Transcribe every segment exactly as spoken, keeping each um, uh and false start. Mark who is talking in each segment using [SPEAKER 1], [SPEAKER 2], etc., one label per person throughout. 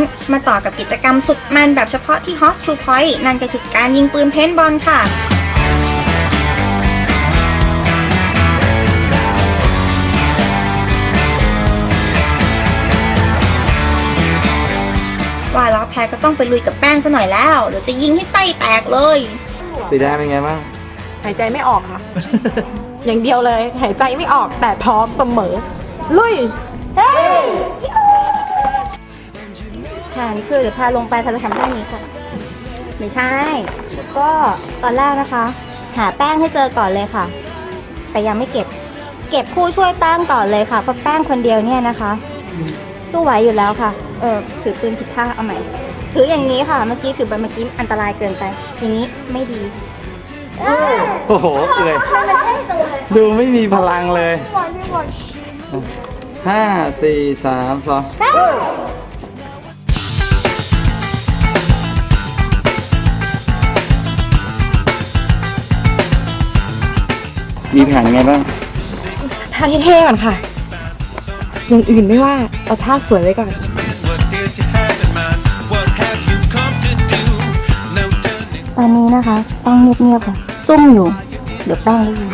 [SPEAKER 1] มาต่อกับกิจกรรมสุดมันแบบเฉพาะที่ Hot True Point นั่นก็คือการยิงปืนเพนบอลค่ะว่าแล้วแพ้ก็ต้องไปลุยกับแป้งซะหน่อยแล้วเดี๋ยวจะยิงให้ไส้แตกเลย
[SPEAKER 2] สีแดงเป็นไงบ้าง
[SPEAKER 3] หายใจไม่ออกค่ะ อย่างเดียวเลยหายใจไม่ออกแต่พร้อมเสมอลุย
[SPEAKER 1] ค่ะนี่คือเดี๋ยวพาลงไปพาจะทำท่านี้ค่ะไม่ใช่ก็ตอนแรกนะคะหาแป้งให้เจอก่อนเลยค่ะแต่ยังไม่เก็บเก็บผู้ช่วยแป้งก่อนเลยค่ะเพราะแป้งคนเดียวเนี่ยนะคะสู้ไหวอยู่แล้วค่ะเออถือปืนผิดท่าเอาใหม่ถืออย่างนี้ค่ะเมื่อกี้ถือไปเมื่อกี้อันตรายเกินไปอย่างนี้ไม่ดี
[SPEAKER 2] โอ้โหเลยดูไม่มีพลังเลยห้าสี่สามสองมีแผนไงบ้าง
[SPEAKER 3] ท่าเท่ๆก่อนค่ะอย่างอื่นไม่ว่าเอาท่าสวยไว้ก่อน
[SPEAKER 1] ตอนนี้นะคะต้องเงียบๆค่ะซุ่มอยู่เดี๋ยวแป้งได้ยิน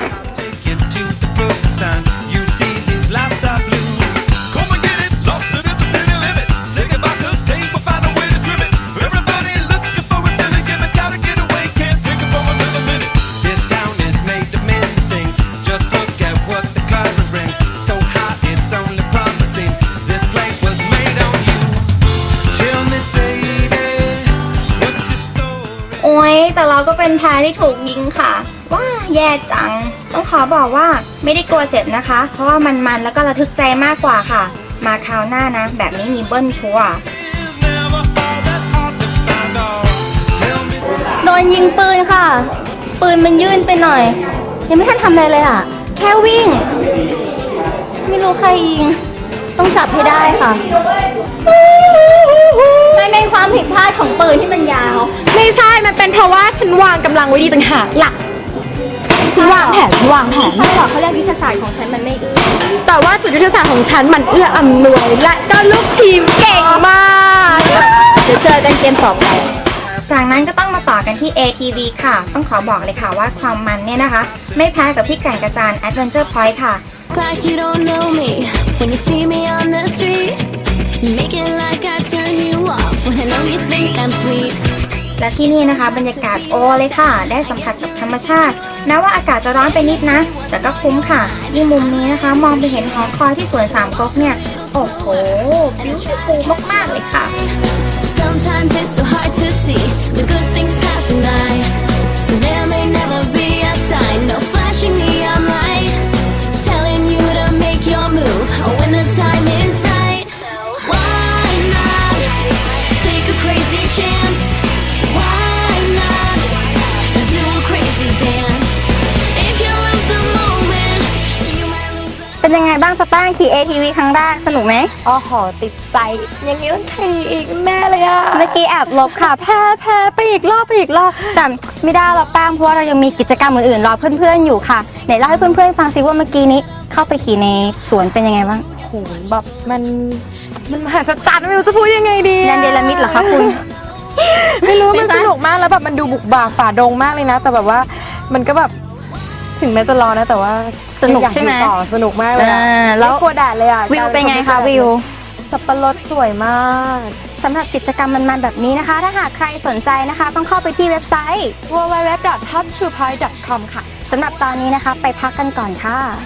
[SPEAKER 1] โอ้ยแต่เราก็เป็นแพ้ที่ถูกยิงค่ะว้าแย่จังต้องขอบอกว่าไม่ได้กลัวเจ็บนะคะเพราะว่ามันๆแล้วก็ระทึกใจมากกว่าค่ะมาคราวหน้านะแบบนี้มีเบิ้ลชัวร์โดนยิงปืนค่ะปืนมันยื่นไปหน่อยยังไม่ทันทำอะไรเลยอ่ะแค่วิ่งไม่รู้ใครยิงต้องจับให้ได้ค่ะมันเป็นความผิดพลาดของปืนที่มันยาว
[SPEAKER 3] ไม่ใช่มันเป็นเพราะว่าฉันวางกำลังไว้ดีต่างหากหลักฉันวางแผนวางแผน
[SPEAKER 1] ใช่หรอเขาเรียกยุทธศาสตร์ของฉันมันไม่เอื้อ
[SPEAKER 3] แต่ว่าจุดยุทธศาสตร์ของฉันมันเอื้ออำนวยและก็ลูกทีมเก่งมาก
[SPEAKER 1] เดี๋ยวเจอกันเกมต่อไปจากนั้นก็ต้องมาต่อกันที่ เอ ที วี ค่ะต้องขอบอกเลยค่ะว่าความมันเนี่ยนะคะไม่แพ้กับที่แก่งกระจาน Adventure Point ค่ะLike you don't know me when you see me on the street Make it like I turn you off when I know you think I'm sweet และที่นี่นะคะบรรยากาศโอเลยค่ะได้สัมผัสกับธรรมชาติแม้ว่าอากาศจะร้อนไปนิดนะแต่ก็คุ้มค่ะยิ่งมุมนี้นะคะมองไปเห็นหอคอยที่สวนสามก๊กเนี่ยโอ้โห beautiful มากๆเลยค่ะ Sometimes it's so hard to see the good things passing by There may never be a sign no flashing neon light Telling you to make your move when the time is right Why not take a crazy chance Why not do a crazy dance If you lose the moment you might lose the เป็นยังไงบ้างจะแป้งขี่ เอ ที วี ครั้งแรกสนุกไหม
[SPEAKER 3] อ๋อหอติดใจอย่างนี้ต้องขี่อีกแม่เลยอะ
[SPEAKER 1] เมื่อกี้แอบลบค่ะแพ้แพ้ไปอีกรอบไปอีกรอบแต่ไม่ได้เราแป้งเพราะว่าเรายังมีกิจกรรมอื่นๆรอเพื่อนๆอยู่ค่ะไหนเล่าให้เพื่อนๆฟังซิว่าเมื่อกี้นี้เข้าไปขี่ในสวนเป็นยังไงบ้าง
[SPEAKER 3] โหแบบมันมันมหัศจรรย์ไม่รู้จะพูดยังไงดี
[SPEAKER 1] ยันเดลมิดเหรอคะคุณ
[SPEAKER 3] ไม่รู้มันสนุกมากแล้วแบบมันดูบุกบ่าฝ่าดงมากเลยนะแต่แบบว่ามันก็แบบถึงแม้จะรอนะแต่ว่า
[SPEAKER 1] สนุกใช่ไหม
[SPEAKER 3] สนุกมากเลยแล้วกลัวแดดเลยอ่ะ
[SPEAKER 1] วิวเป็นไงคะวิว
[SPEAKER 3] สับปะรดสวยมาก
[SPEAKER 1] สำหรับกิจกรรมมันๆแบบนี้นะคะถ้าหากใครสนใจนะคะต้องเข้าไปที่เว็บไซต์
[SPEAKER 3] ดับเบิลยู ดับเบิลยู ดับเบิลยู ดอท ฮอต ทรู พอยต์ ดอท คอม ค่ะ
[SPEAKER 1] สำหรับตอนนี้นะคะไปพักกันก่อนค่ะ